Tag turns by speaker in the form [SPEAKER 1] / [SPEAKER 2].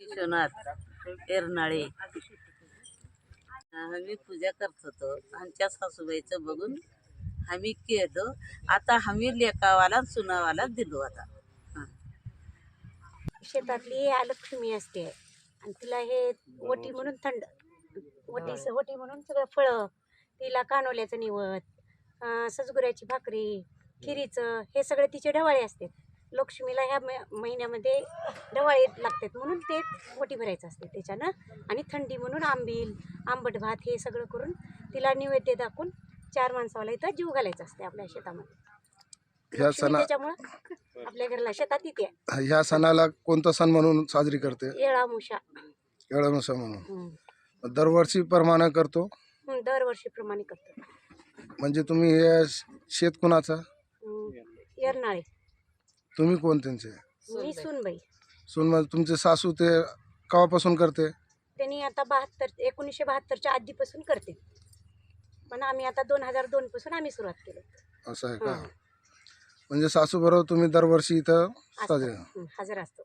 [SPEAKER 1] विश्वनाथ एरनाळे आम्ही पूजा करत होतो. आमच्या सासूबाईचं बघून आम्ही केलो. आता आम्ही लेकावाला सुनावाला दिलो. आता
[SPEAKER 2] शेतातली लक्ष्मी असते आणि तिला हे वटी म्हणून थंड वटी म्हणून सगळं फळं, तिला कानोल्याचं निवद, सजगुऱ्याची भाकरी, खिरीचं, हे सगळे तिचे ढवाळे असते. लक्ष्मीला ह्या महिन्यामध्ये ढवाळे लागतात म्हणून ते वटी भरायचं असते त्याच्यानं. आणि थंडी म्हणून आंबील, आंबट भात हे सगळं करून तिला नैवेद्य दाखवून 4 माणसाला इथं जीव घालायचा असते आपल्या शेतामध्ये. त्याच्यामुळं आपल्या घरला शेतात येते.
[SPEAKER 3] ह्या सणाला कोणता सण म्हणून साजरी करते?
[SPEAKER 2] येळामुषा
[SPEAKER 3] म्हणून दरवर्षी प्रमाणे करतो.
[SPEAKER 2] दरवर्षी प्रमाणे करतो.
[SPEAKER 3] म्हणजे तुम्ही हे शेत कुणाचा?
[SPEAKER 2] येरनाळे.
[SPEAKER 3] तुम्ही कोण त्यांचे?
[SPEAKER 2] मी सूनबाई.
[SPEAKER 3] सून तुमचे सासू ते केव्हापासून करते?
[SPEAKER 2] त्यांनी आता 1972च्या आधीपासून करते, पण आम्ही आता 2002 पासून आम्ही सुरुवात केली.
[SPEAKER 3] असं आहे का? म्हणजे सासू बरोबर तुम्ही दरवर्षी इथं साजरे
[SPEAKER 2] हजर असतो.